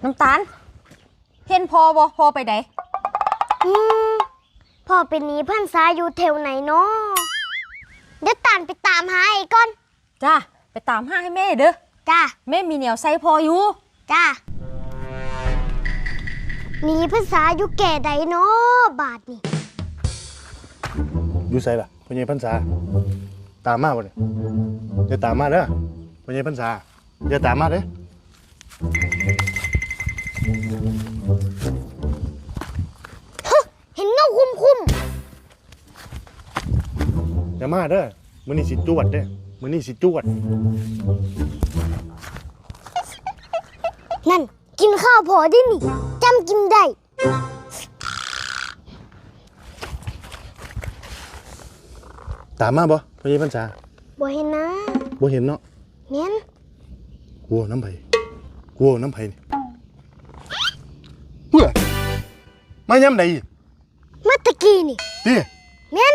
น้ำตาลเห็นพอบ่พอไปไหนพ่อเป็นนี้พันษาอยู่แถวไหนเนาะเดี๋ยวตานไปตามหาไอ้ก่อนจ้าไปตามหาให้แม่เด้อจ้าแม่มีเหนียวใส่พออยู่จ้ามีพันษาอยู่แก่ใดเนาะบาทนี่อยู่ไสล่ะพ่อใหญ่พรรษาตามมาบ่เนี่ยอย่าตามมาเด้อพ่อใหญ่พรรษาอย่าตามมาเด้อเห็นเงาคุ้มอย่ามาเด้อมื้อนี้สิจวดเด้อมื้อนี้สิจวดนั่นกินข้าวพอได้นี่จำกินได้ตามมาบ่พ่อใหญ่พรรษาบ่เห็นนะบ่เห็นเนาะแม่นกลัวน้ำไผกลัวน้ำไผนี่เพื่อมายามใดมาตะกี้นี่ติแม่น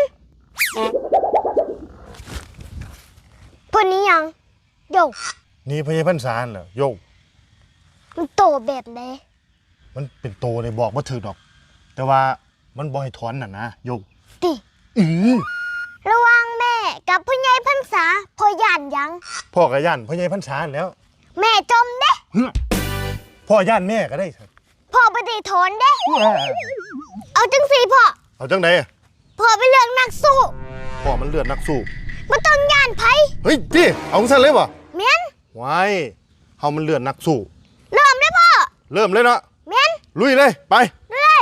พวกนี้ยังโยนี่พ่อใหญ่พรรษาน่ะโยมันโตแบบใดมันเป็นโตเลยบอกบ่ถูกดอก แต่ว่ามันบ่ให้ถอนน่ะนะโยติระวังแม่กับพ่อใหญ่พรรษาพ่อย่านยังพ่อก็ย่านพ่อใหญ่พรรษาแล้วแม่จมเด้พ่อย่านแม่ก็ได้ครับพ่อบ่ได้ถอนเด้เอาจังสิพ่อเอาจังไดพ่อไปเลือกนักสู้พ่อมันเลือดนักสู้บ่ต้องย่านไผเฮ้ยติเอาซั่นเลยบ่แม่นไว้เฮามันเลือดนักสู้เริ่มเลยพ่อเริ่มเลยเนาะแม่นลุยเลยไปเลย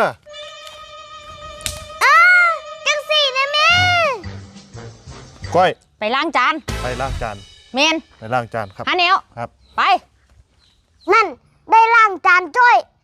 จังสินะแม่ก้อยไปล้างจานไปล้างจานเมนไปล้างจานครับหาแนวครับไปนั่นได้ล้างจานจ้อย